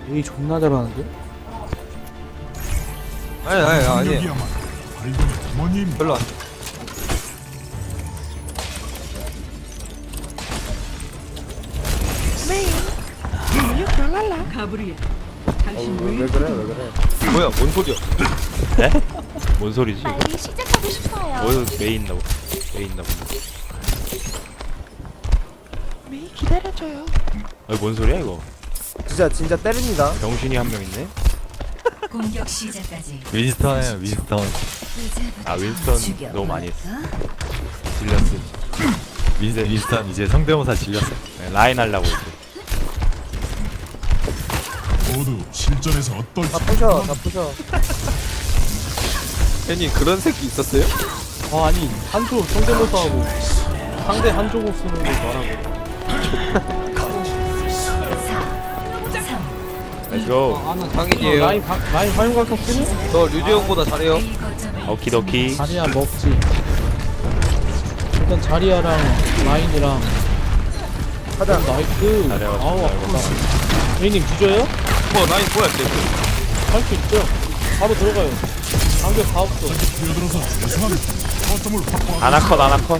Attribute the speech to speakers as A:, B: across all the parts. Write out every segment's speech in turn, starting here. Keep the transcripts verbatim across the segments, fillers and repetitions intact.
A: 에이 존나 잘하는데?
B: 아니 아니 아니 별로 안 돼.
C: 가브리엘,
D: 어,
C: 당신
D: 왜, 왜 그래 왜 그래
B: 뭐야 뭔 소리야?
E: 네? 뭔 소리지?
F: 빨리 시작하고 싶어요.
E: 어디 메인 나고 메인 나고.
F: 메이 기다려줘요.
E: 아니 뭔 소리야 이거?
D: 진짜 진짜 때립니다.
E: 병신이 한 명 있네.
G: 공격 시작까지
H: 윈스턴이에요 윈스턴.
E: 아 윈스턴 너무 많이 했어.
H: 질렸어. 윈, 윈스턴 이제 성대모사 질렸어.
E: 네, 라인 하려고 이제.
I: 모두 실전에서 어떨지
D: 다 부셔 다 부셔.
B: 괜히 그런 새끼 있었어요?
A: 아 아니 한쪽 성대모사하고 상대 한쪽을 쓰는 거 말하고
E: 렛츠고.
A: 아, 나
B: 상인이에요.
A: 라인 바, 라인 활용각형 쓰니?
B: 저 류재용보다 잘해요.
E: 오키도키.
A: 자리야 먹지. 일단 자리야랑 라인이랑
D: 가자.
A: 나이스.
E: 자리야
A: 아우
E: 가지고
A: 아프다. A님 뒤져요?
B: 뭐 라인 뭐야 쟤?
A: 할 수 있죠. 바로 들어가요. 방벽 다 없어.
I: 뛰어들어서 최소한 거점을 확보하고
E: 아나컷 아나컷.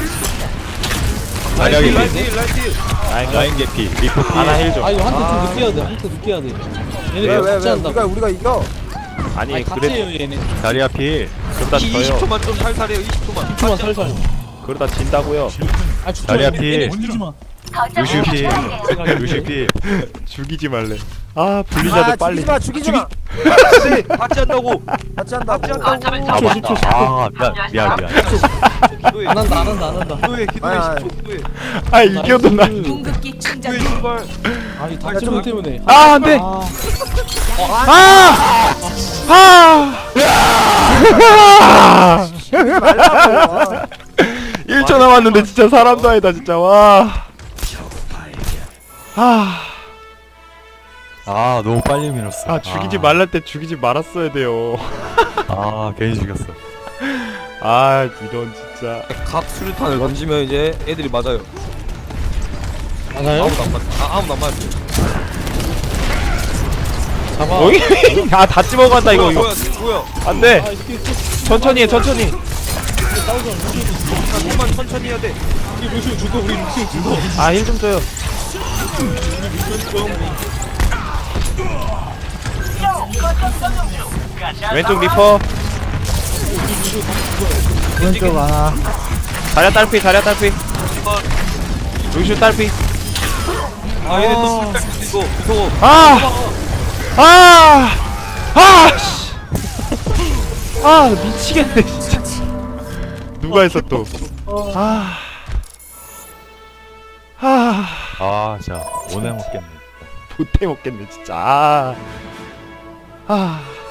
B: 라인
E: 자리야
B: 딜, 라인
E: 개피.
B: 딜, 라인 딜.
E: 라인
H: 라인 개피 리포 피.
E: 아나 힐 좀.
A: 아 이거 한테
B: 아.
A: 좀 늦게 해야 돼. 한테 늦게 해야 돼. 얘네
D: 왜 왜
A: 같이
D: 왜
A: 한다고.
D: 우리가 우리가 이겨.
E: 아니
A: 아니
E: 그래
A: 같이해요 얘네.
H: 자리야 필.
E: 그러다 져요.
B: 이십 초만 좀 살살해요. 이십 초만.
A: 초만 살살.
E: 그러다 진다고요.
A: 아 죽지
H: 자리야
A: 마.
H: 필.
A: 얘네 죽이지 마.
H: 루시우 필.
A: 생각해.
H: 루시우 필.
E: 죽이지 말래. 아
D: 아
E: 분리자들 빨리.
D: 죽이지 마 죽이지 마.
B: 네, 같이 한다고.
D: 같이 한다고.
B: 같이 한다고.
H: 아 맞다. 아 미안 미안 미안.
B: 기도해.
A: 안 한다 안 한다 안 한다.
B: 기도해 기도해
D: 아,
B: 십 초 기도해.
E: 아 이겨도 나.
G: 공급기 충전
B: 기도해 제발.
A: 아니 탈출문 때문에.
E: 아 안돼.
A: 아,
E: 아. 아.
D: 말라고.
E: 일 초 남았는데 진짜 사람도 아니다 진짜 와. 아.
H: 아 너무 빨리 밀었어.
E: 아 죽이지 말랄 때 죽이지 말았어야 돼요.
H: 아 괜히 죽였어.
E: 아 이런 진짜.
B: 각 수류탄을 던지면 이제 애들이 맞아요.
A: 맞아요?
B: 아무도 안 맞. 아 아무도 안 맞아요.
A: 잡아.
E: 어이? 아다 집어간다 이거 이거.
B: 뭐야 뭐야.
E: 안돼.
A: 아 이렇게 이렇게
E: 천천히 해 천천히.
A: 싸우자. 루시우
B: 자, 좀만 천천히 해야 돼.
A: 우리 루시우 죽어. 우리 루시우 죽어.
E: 아 힐 좀 줘요. 왼쪽 리퍼.
D: 왼쪽 하나.
E: 자리야 딸피 자리야 딸피. 루슈 딸피.
B: 아 얘네 또 술탈 이거 무서워.
E: 아! 아! 아! 씨. 아 미치겠네 진짜. 누가 했어 또? 아. 아.
H: 아 진짜 오늘 먹겠네.
E: 못해 먹겠네 진짜. 아. 아.